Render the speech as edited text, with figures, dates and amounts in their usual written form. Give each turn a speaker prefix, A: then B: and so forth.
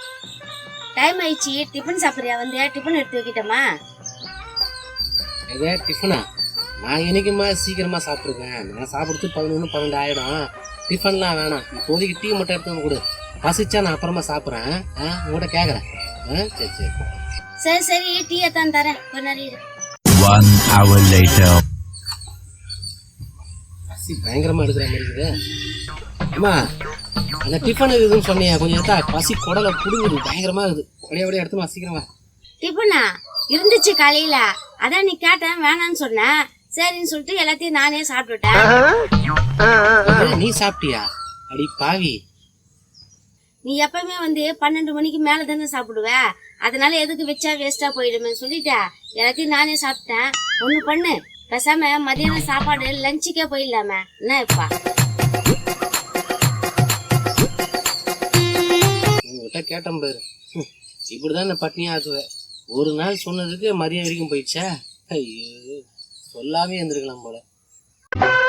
A: Time ஆயிடுச்சு, tiffin சாப்பிடுறியா? வந்து டிஃபன் எடுத்து வைக்கிட்டோமா?
B: எதே டிஃபனா? நான் என்னைக்குமா சீக்கிரமா சாப்பிட்ருக்கேன். நான் சாப்பிடுறது 11 12 ஆயிடும். டிஃபன்லாம் வேணாம், இப்போதைக்கு டீ மட்டும் எடுத்து வந்து கொடு. பசிச்சா நான் அப்புறமா சாப்பிட்றேன். உங்கள்கிட்ட கேட்குறேன். சரி சரி
A: சரி சரி, டீயை தான் தரேன், கொஞ்ச நேரம் இரு.
C: 1 hour later.
B: பசி பயங்கரமா எடுக்கிற மாதிரி இருக்குது. அம்மா, அந்த டிஃபன் இருக்குதுன்னு சொன்னியா, கொஞ்சம் எடுத்தா பசி குடலை புடுங்குது, பயங்கரமா இருக்குது. அப்படியே எடுத்துமா சீக்கிரமா.
A: டிஃபனா இருந்துச்சு காலையில, அதான் நீ கேட்டேன் வேணான்னு சொன்னேன். சரின்னு சொல்லிட்டு எல்லாத்தையும் நானே சாப்பிட்டுட்டேன்.
B: நீ சாப்பிட்டியா? அடி பாவி,
A: நீ எப்பவுமே வந்து 12 மணிக்கு மேல தானே சாப்பிடுவ, அதனால எதுக்கு வச்சா வேஸ்டா போயிடுமே சொல்லிட்ட எல்லாத்தையும் நானே சாப்பிட்டேன். ஒண்ணு பண்ணு, பேசாம மதியானம் சாப்பாடு லஞ்சுக்கே போயிடலாமே, என்ன இப்பா?
B: உங்ககிட்ட கேட்டேன் பாரு, இப்படிதான் நான் பட்னியா ஆக்குவேன். ஒரு நாள் சொன்னதுக்கு மதியம் வரைக்கும் போயிடுச்சா? ஐயோ, சொல்லாமே இருந்திருக்கலாம் போல.